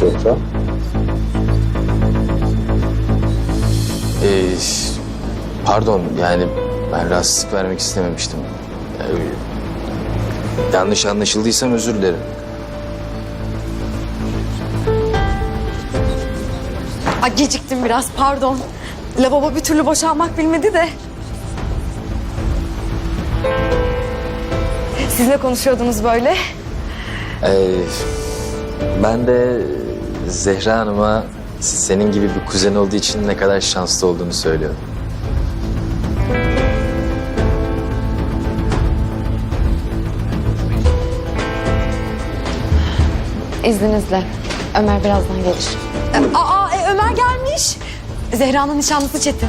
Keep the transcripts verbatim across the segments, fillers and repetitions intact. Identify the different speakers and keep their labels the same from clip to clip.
Speaker 1: sofra?
Speaker 2: Ee, pardon yani ben rahatsızlık vermek istememiştim. Ee, yanlış anlaşıldıysam özür dilerim.
Speaker 3: Ay geciktim biraz pardon. Lavabo bir türlü boşalmak bilmedi de. Siz ne konuşuyordunuz böyle?
Speaker 2: Ee, ben de Zehra Hanım'a senin gibi bir kuzen olduğu için ne kadar şanslı olduğunu söylüyorum.
Speaker 4: İzninizle. Ömer birazdan gelir.
Speaker 3: E, Aa e, Ömer gelmiş. Zehra'nın nişanlısı Çetin.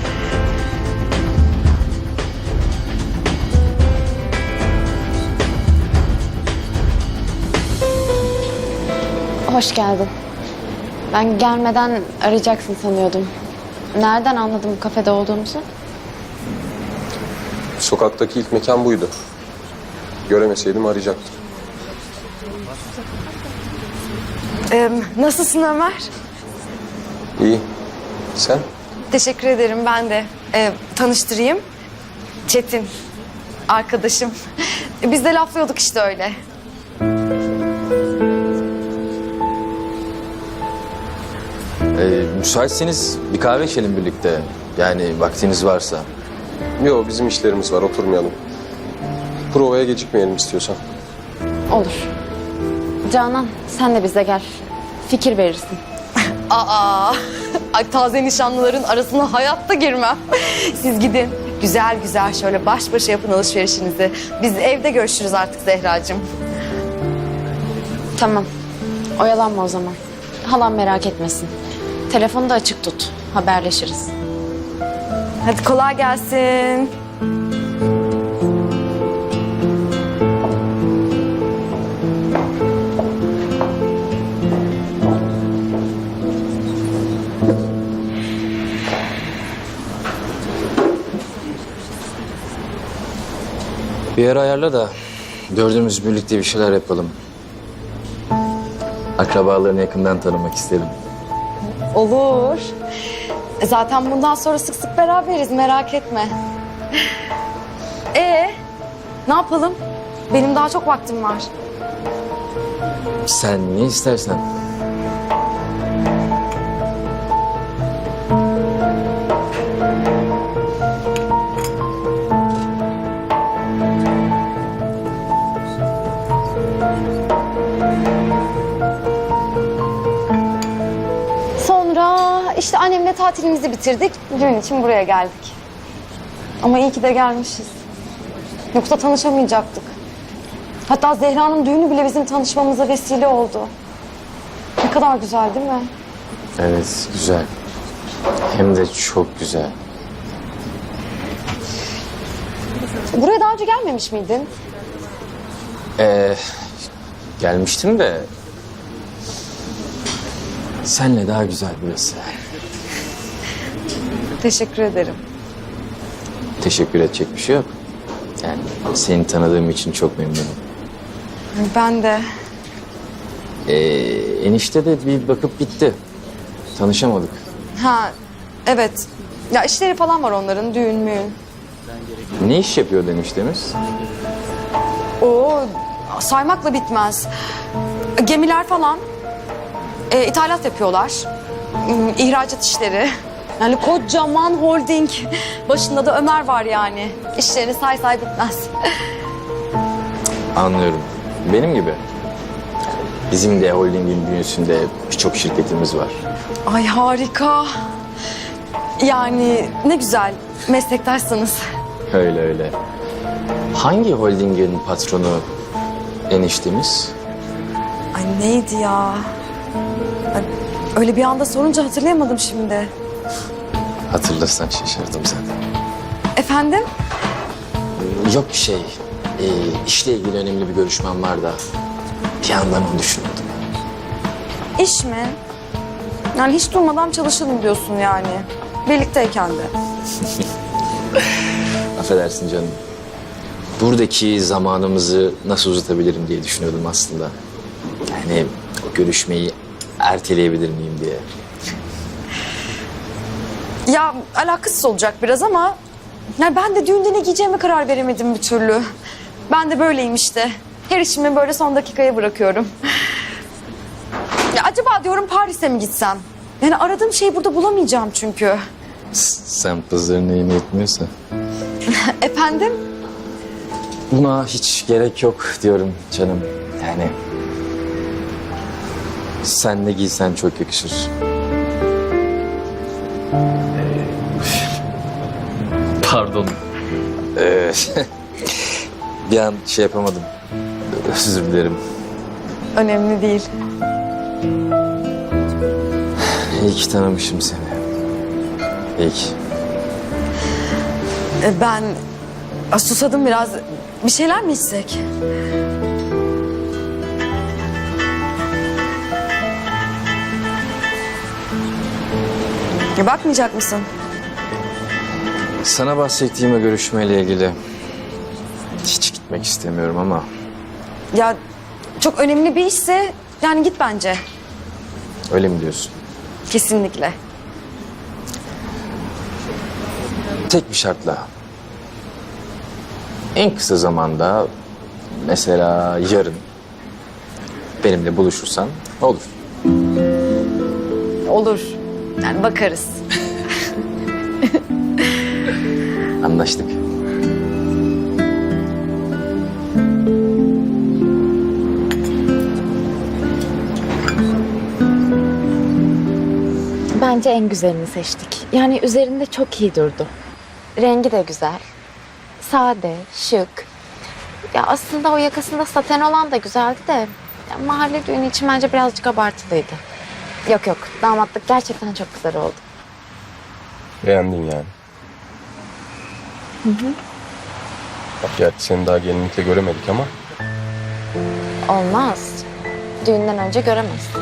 Speaker 4: Hoş geldin. Ben gelmeden arayacaksın sanıyordum. Nereden anladım kafede olduğumuzu?
Speaker 1: Sokaktaki ilk mekan buydu. Göremeseydim arayacaktım.
Speaker 3: E, nasılsın Ömer?
Speaker 1: İyi. Sen?
Speaker 3: Teşekkür ederim ben de. E, tanıştırayım. Çetin. Arkadaşım. E, biz de laflıyorduk işte öyle.
Speaker 2: Ee, müsaitseniz bir kahve içelim birlikte. Yani vaktiniz varsa.
Speaker 1: Yok, bizim işlerimiz var, oturmayalım. Provaya gecikmeyelim istiyorsan.
Speaker 4: Olur. Canan sen de bize gel. Fikir verirsin.
Speaker 3: Aa, ay taze nişanlıların arasına hayatta girmem. Siz gidin. Güzel güzel şöyle baş başa yapın alışverişinizi. Biz evde görüşürüz artık Zehracığım.
Speaker 4: Tamam. Oyalanma o zaman. Halam merak etmesin. Telefonu da açık tut. Haberleşiriz.
Speaker 3: Hadi kolay gelsin.
Speaker 2: Bir yer ayarla da dördümüz birlikte bir şeyler yapalım. Akrabalarını yakından tanımak isterim.
Speaker 3: Olur. E, Zaten bundan sonra sık sık beraberiz merak etme. Ee, ne yapalım? Benim daha çok vaktim var.
Speaker 2: Sen ne istersen.
Speaker 3: Sonra işte annemle tatilimizi bitirdik. Düğün için buraya geldik. Ama iyi ki de gelmişiz. Yoksa tanışamayacaktık. Hatta Zehra'nın düğünü bile bizim tanışmamıza vesile oldu. Ne kadar güzel değil mi?
Speaker 2: Evet, güzel. Hem de çok güzel.
Speaker 3: Buraya daha önce gelmemiş miydin?
Speaker 2: Ee, gelmiştim de... Senle daha güzel burası.
Speaker 3: Teşekkür ederim.
Speaker 2: Teşekkür edecek bir şey yok. Yani seni tanıdığım için çok memnunum.
Speaker 3: Ben de.
Speaker 2: Ee, enişte de bir bakıp gitti. Tanışamadık.
Speaker 3: Ha, evet. Ya işleri falan var onların, düğün müğün.
Speaker 2: Ne iş yapıyor eniştemiz?
Speaker 3: Oo, saymakla bitmez. Gemiler falan. E, ithalat yapıyorlar. Hmm, İhracat işleri. Yani kocaman holding. Başında da Ömer var yani. İşlerini say say bitmez.
Speaker 2: Anlıyorum. Benim gibi. Bizim de holdingin bünyesinde birçok şirketimiz var.
Speaker 3: Ay harika. Yani ne güzel meslektaşsınız.
Speaker 2: Öyle öyle. Hangi holdingin patronu eniştemiz?
Speaker 3: Ay neydi ya? Ay, öyle bir anda sorunca hatırlayamadım şimdi.
Speaker 2: Hatırlasan şaşırdım zaten.
Speaker 3: Efendim?
Speaker 2: Yok bir şey. Ee, işle ilgili önemli bir görüşmem var da bir yandan onu düşünüyordum.
Speaker 3: İş mi? Yani hiç durmadan çalışalım diyorsun yani. Birlikteyken de.
Speaker 2: Affedersin canım. Buradaki zamanımızı nasıl uzatabilirim diye düşünüyordum aslında. Yani görüşmeyi erteleyebilir miyim diye.
Speaker 3: Ya alakasız olacak biraz ama... Yani ben de düğünde ne giyeceğime karar veremedim bir türlü. Ben de böyleyim işte. Her işimi böyle son dakikaya bırakıyorum. Ya acaba diyorum Paris'e mi gitsem? Yani aradığım şeyi burada bulamayacağım çünkü.
Speaker 2: Sen pazarın neyini etmiyorsa.
Speaker 3: Efendim?
Speaker 2: Buna hiç gerek yok diyorum canım. Yani sen ne giysen çok yakışır. Pardon. Ee, bir an şey yapamadım. Özür dilerim.
Speaker 3: Önemli değil.
Speaker 2: İyi ki tanımışım seni. İyi ki.
Speaker 3: Ee, Ben Aa, susadım biraz. Bir şeyler mi içsek? Ya bakmayacak mısın?
Speaker 2: Sana bahsettiğim o görüşmeyle ilgili hiç gitmek istemiyorum ama
Speaker 3: Ya çok önemli bir işse yani git bence.
Speaker 2: öyle mi diyorsun?
Speaker 3: Kesinlikle.
Speaker 2: Tek bir şartla. En kısa zamanda mesela yarın benimle buluşursan olur.
Speaker 3: Olur. Yani bakarız.
Speaker 2: Anlaştık.
Speaker 4: Bence en güzelini seçtik. Yani üzerinde çok iyi durdu. Rengi de güzel. Sade, şık. Ya aslında o yakasında saten olan da güzeldi de... ya mahalle düğünü için bence birazcık abartılıydı. Yok yok, damatlık gerçekten çok güzel oldu.
Speaker 1: Beğendin yani. Hı hı. Bak gerçi seni daha gelinlikle göremedik ama
Speaker 4: Olmaz. Düğünden önce göremezsin.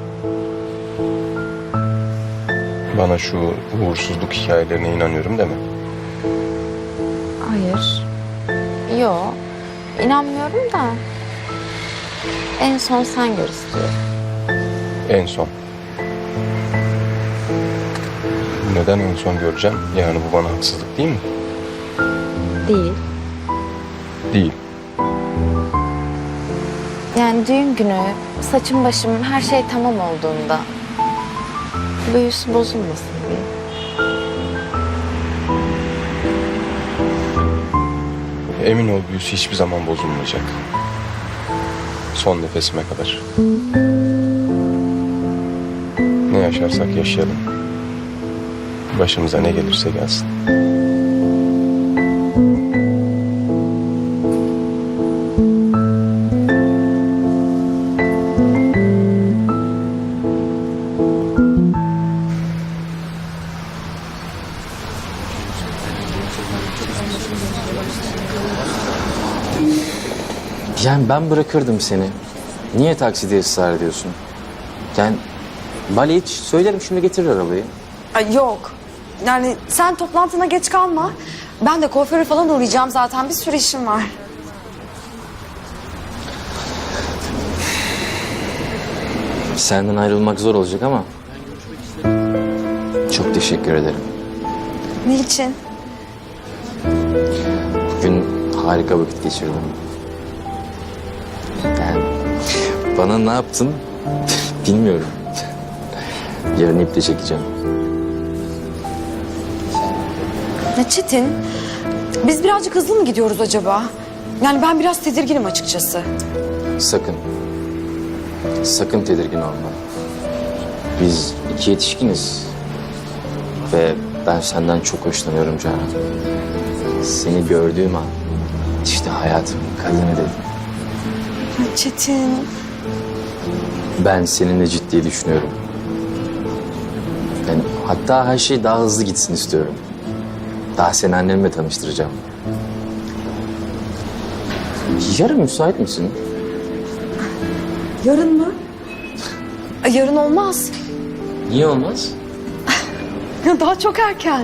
Speaker 1: bana şu uğursuzluk hikayelerine inanıyorum deme.
Speaker 4: Hayır. Yo, inanmıyorum da... en son sen gör istiyorum.
Speaker 1: En son. Neden en son göreceğim? Yani bu bana haksızlık değil mi?
Speaker 4: Değil.
Speaker 1: Değil.
Speaker 4: Yani düğün günü saçım başım her şey tamam olduğunda büyüsü bozulmasın diye.
Speaker 1: Emin ol büyüsü hiçbir zaman bozulmayacak. Son nefesime kadar. Ne yaşarsak yaşayalım. Başımıza ne gelirse gelsin.
Speaker 2: Yani ben bırakırdım seni. Niye takside ısrar ediyorsun? Yani Bali hiç söylerim şimdi getirir arabayı.
Speaker 3: Ay yok. Yani sen toplantına geç kalma. Ben de kuaföre falan uğrayacağım zaten. Bir sürü işim var.
Speaker 2: Senden ayrılmak zor olacak ama çok teşekkür ederim.
Speaker 3: Niçin?
Speaker 2: Bugün harika vakit geçirdim. Yani bana ne yaptın bilmiyorum. Yarın iple çekeceğim.
Speaker 3: Ya Çetin, biz birazcık hızlı mı gidiyoruz acaba? Yani ben biraz tedirginim açıkçası.
Speaker 2: Sakın. Sakın tedirgin olma. Biz iki yetişkiniz. Ve ben senden çok hoşlanıyorum Canan. Seni gördüğüm an işte hayatımın kadını dedim.
Speaker 3: Ay Çetin.
Speaker 2: Ben seninle ciddi düşünüyorum. Yani hatta her şey daha hızlı gitsin istiyorum. Daha seni annemle tanıştıracağım. Yarın müsait misin?
Speaker 3: Yarın mı? Ay, yarın olmaz.
Speaker 2: Niye olmaz?
Speaker 3: Daha çok erken.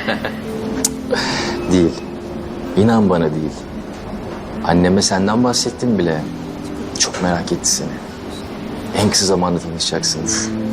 Speaker 2: Değil. İnan bana değil. Anneme senden bahsettim bile. Çok merak etti seni. en kısa zamanda tanışacaksınız.